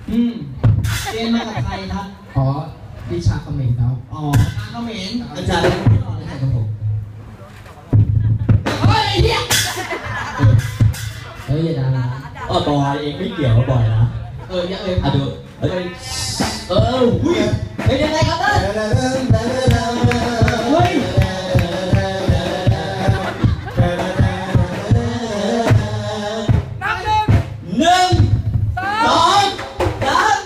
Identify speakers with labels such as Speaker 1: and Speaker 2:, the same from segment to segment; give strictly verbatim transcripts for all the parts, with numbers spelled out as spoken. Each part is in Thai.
Speaker 1: อืมเรียนมากับใครครับอ๋อวิชาเขมรครับอ๋อเขมรอาจารย์ครับผมเฮ้ยเฮียเฮ้ยอย่าด่าอ๋อบอยเองไม่เกี่ยวกับบอยนะเอออย่าเอ่ยอ่ะดูเอ้ยเออหุ้ยเป็นยังไงครับท่านเฮ้ยนับหนึ่งหนึ่งสองสาม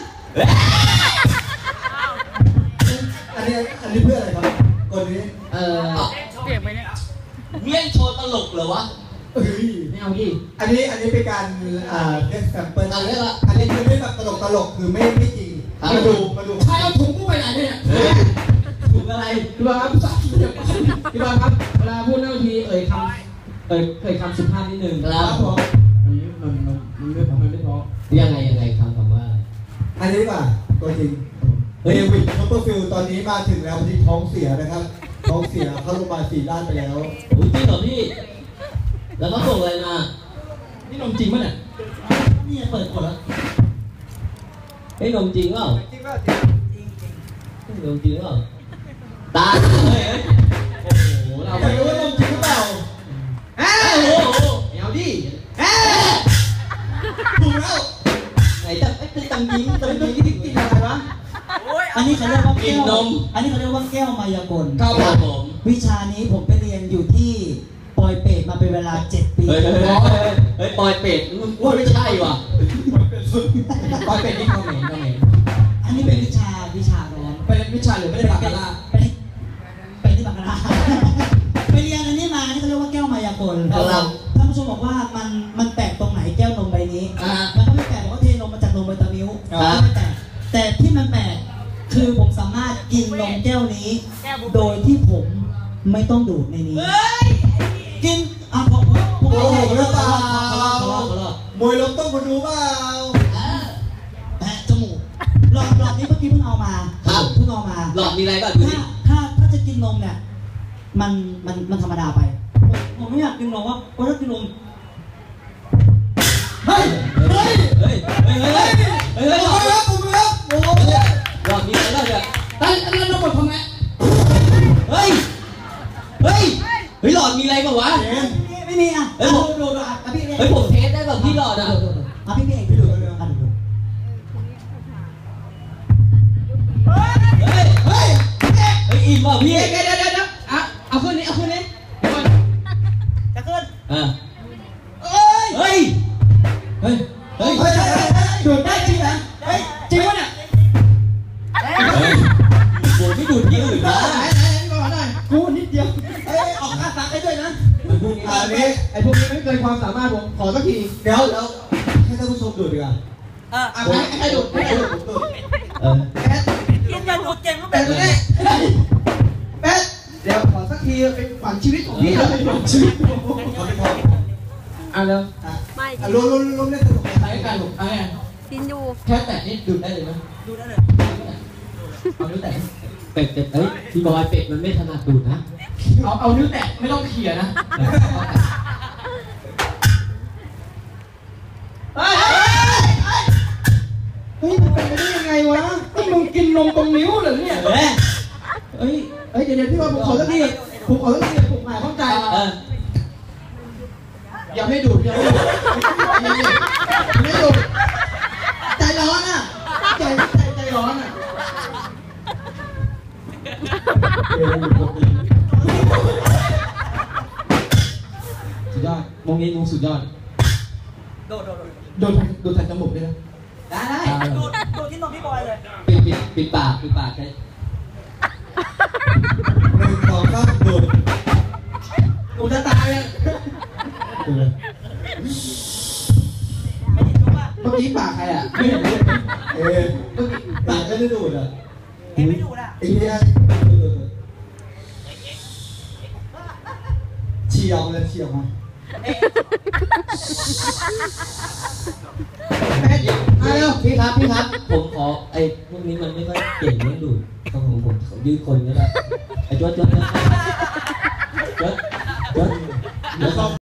Speaker 1: อันนี้อันนี้เพื่ออะไรครับคนนี้เออเปลี่ยนไปเนี่ยเมี่ยงโชว์ตลกเหรอวะเฮ้ยไม่เอาดิอันนี้อันนี้เป็นการอ่าเล่นแซมเปิลอันนี้ละอันนี้คือไม่แบบตลกตลกคือไม่ไม่จริงมาดูมาดูใครเอาถุงกูไปไหนเนี่ยถุงอะไรพี่บอลครับพี่บอลครับเวลาพูดเรื่องทีเอ่ยคำเอ่ยเอ่ยคำสุภาพนิดนึงครับผมมันมันมันไม่พอมันไม่พอยังไงยังไงคำคำว่าอันนี้ป่ะตัวจริงเดวิดคัพเปอร์ฟิลด์ตอนนี้มาถึงแล้วที่ท้องเสียนะครับท้องเสียเข้าโรงพยาบาลสี่ด้านไปแล้วอุ้ยจริงเหรอพี่แล้วเขาส่งอะไรมานี่นมจริงป่ะเนี่ยนี่เปิดกดแล้วไอ้นมจริงเปล่าจริงเปล่าจริงจริงจริงนมจริงเปล่าตาเลยโอ้โหเราไม่รู้ว่านมจริงหรือเปล่าเอ้าโอ้โหเอาดิเอ้าถูกแล้วไหนจะไอ้ตีตังยิงตังยิงที่ติดกินอะไรวะ
Speaker 2: อันนี้เขาเรียกว่าแก้วอันนี้เขาเรียกว่าแก้วมายากล
Speaker 1: ครับผม
Speaker 2: วิชานี้ผมไปเรียนอยู่ที่ปอยเปตมาเป็นเวลาเจ็ดปี
Speaker 1: เฮ้ยเฮ้ยปอยเป็ดว่าไม่ใช่ว่ะปอยเป็ดนี่เขาเหม็นเขาเหม็น
Speaker 2: อันนี้เป็นวิชาวิชาร้อน
Speaker 1: เป็นวิชาหรือไม่ได้บาคาร่า
Speaker 2: ไปไปที่บาคาร่าไปเรียนอันนี้มาอันนี้เขาเรียกว่าแก้วมายากลท่านผู้ชมบอกว่ามันมันแปลกตรงไหนแก้วนมใบนี้มันก็ไม่แปลกเพราะเทนมมาจากนมใบตะมิ้วไม่แปลกแต่ที่มันแปลกคือผมสามารถกินนมแก้วนี้โดยที่ผมไม่ต้องดูดในนี้กินอ่ะผมผมโอ้โหหรือเปล่ามวยล้มต้องมาดูเปล่าแปะจมูกหลอดหลอดนี้เมื่อกี้เพิ่งเอามา
Speaker 1: ครับ
Speaker 2: เพิ่งเอามา
Speaker 1: หลอดมีอะไรบ้างดูดิ
Speaker 2: ถ้าถ้าจะกินนมเนี่ยมันมันมันธรรมดาไปผมไม่อยากกินนมว่าเพราะถ้ากินนมเฮ้ยเฮ้ย
Speaker 1: เฮ้ยเฮ้ยเฮ้ยเฮ้ยเฮ้ยผมรับผมรับโอ้โหหลอดมีอะไรบ้างเนี่ยตั้งตั้งนมหมดทำไงเฮ้ยเฮ้ยเฮ้ยหลอดมีอะไรบ้างวะ
Speaker 2: ไม่มีอ่ะเฮ้ยผมดูดูอ่ะพี่
Speaker 1: เฮ้ยผมเทสได้แบบพี่หลอดอ่ะ
Speaker 2: อ่ะพี่พี่เองพี่ดูอ่ะดู
Speaker 1: เฮ้ยเฮ้ยเฮ้ยเฮ้ยอิ่มป่ะพี่เดี๋ยวเดี๋ยวเดี๋ยวอ่ะเอาขึ้นนี้เอาขึ้นนี้
Speaker 2: จะขึ้น
Speaker 1: อ่ะเฮ้ยเฮ้ยเฮ้ยเฮ้ยดูดได้จริงนะเฮ้ยจริงวะเนี่ยกูไม่ดูดที่อื่นนะไหนไหนก่อนหน่อยกูนิดเดียวเอ้ยออกค่าซักให้ด้วยนะอันนี้ไอ้พวกนี้ไม่เกินความสามารถผมขอสักทีเดี๋ยวแล้วให้ท่านผู้ชมดูดดีกว่าอ่ะให้ให้ดูดให้ดูดผมดูดเออแป๊ด
Speaker 2: กินจะดูดเก่งก็
Speaker 1: แป๊ดนี่แป๊ดเดี๋ยวขอสักทีเป็นฝันชีวิตของพี่เลยฝันชีวิตเขาไม่พออ่ะแล้วไม่รวมรวมรวมเล่นสนุกใช้กันหนุกอะไร
Speaker 3: กินอยู่
Speaker 1: แค่แตะนี่ดูดได้เลยไหม
Speaker 2: ดูได้เลย
Speaker 1: เอานิ้วแตะเป็ดเป็ดเฮ้ยพี่บอยเป็ดมันไม่ถนัดดูดนะเอาเอานิ้วแตะไม่ต้องเขี่ยนะเฮ้ยเฮ้ยมันเป็นไปได้ยังไงวะนี่มึงกินนมตรงนิ้วเหรอเนี่ยเฮ้ยเฮ้ยเฮ้ยเดี๋ยวเดี๋ยวพี่บอยผมขอสักทีผมขอสักทีผมหมายเข้าใจอย่าไม่ดูดอย่าไม่ดูดไม่ดูดใจร้อนอ่ะใจใจใจร้อนอ่ะสุดยอดมงนี้มงสุดยอด
Speaker 2: โดดโดด
Speaker 1: โดดโดดแทนจมูกได้ไหม
Speaker 2: ได้ได้โดดโดดที่นมพี่บอยเลย
Speaker 1: ปิดปิดปิดปากปิดปากใช่หนึ่งสองสามโดดกูจะตายอ่ะเมื่อกี้ปากใครอ่ะไม่เห็นเลยเออเมื่อกี้ปากไม่ได้ดูดอ่ะ
Speaker 2: เอ็งไม่ดูดอ่ะ
Speaker 1: ไอ้เนี่ยเฉียวเลยเฉียวมาแม่มาเร็วพี่ครับพี่ครับผมขอไอ้พวกนี้มันไม่ค่อยเก่งเรื่องดูดต้องผมผมยืดคนก็ได้ไอ้จวดจวดจวดจวดจวด